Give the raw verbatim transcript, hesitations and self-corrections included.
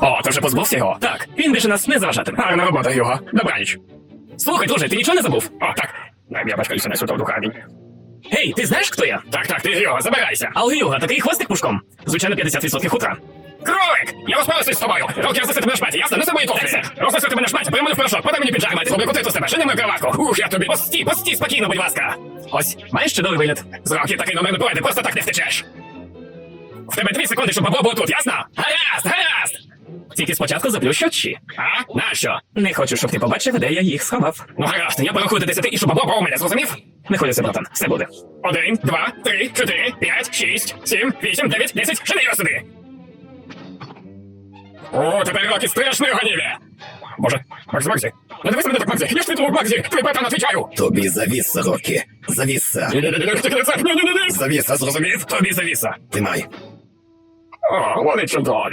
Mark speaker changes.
Speaker 1: О, ти вже позбувся його? Так, він більше нас не заважатиме. Гарна робота, Юго. Добраніч. Слухай, друже, ти нічого не забув? О, так. Я бачкаюся на сюди в духарні. Гей, ти знаєш, хто я? Так, так, ти Юго, забирайся. Але Юго, такий хвостик пушком. Звичайно, п'ятдесят відсотків хутра. Кролик! Я розправився з тобою! Руки рознеси тебе на шматі, ясно? Не за мої туфлі! Рознеси тебе на шматі, приймали в порошок, подай мені піджак, мати, зроби котиту з тебе, жени мою кроватку! Ух, я тобі! Пості, пості, спокійно, будь ласка! Ось, маєш чудовий вигляд. З роки такий номер не пройде, просто так не втечеш! В тебе дві секунди, щоб бабло було тут, ясно? Гаразд, гаразд! Тільки спочатку заплющу очі. А? Нащо? Не хочу, щоб ти побачив, де я їх сховав. Ну гаразд, я порахую до десяти і щоб бабло було у мене, зрозумів? Не хвилюйся, братан, все буде. Один, два, три, чотири, п'ять, шість, сім, вісім, дев'ять, десять, жени його сюди! О, тепер роки страшної гонівлі! Боже, Максі, Максі, не дивись мене так, Максі, я ж твій друг, Максі, твій братан, отвічаю!
Speaker 2: Тобі завіса, Рокі. Завіса.
Speaker 1: Ні-ні-ні, тільки не це, ні-ні-ні!
Speaker 2: Завіса, зрозумів?
Speaker 1: Тобі завіса.
Speaker 2: Тримай.
Speaker 1: О, вони чудові.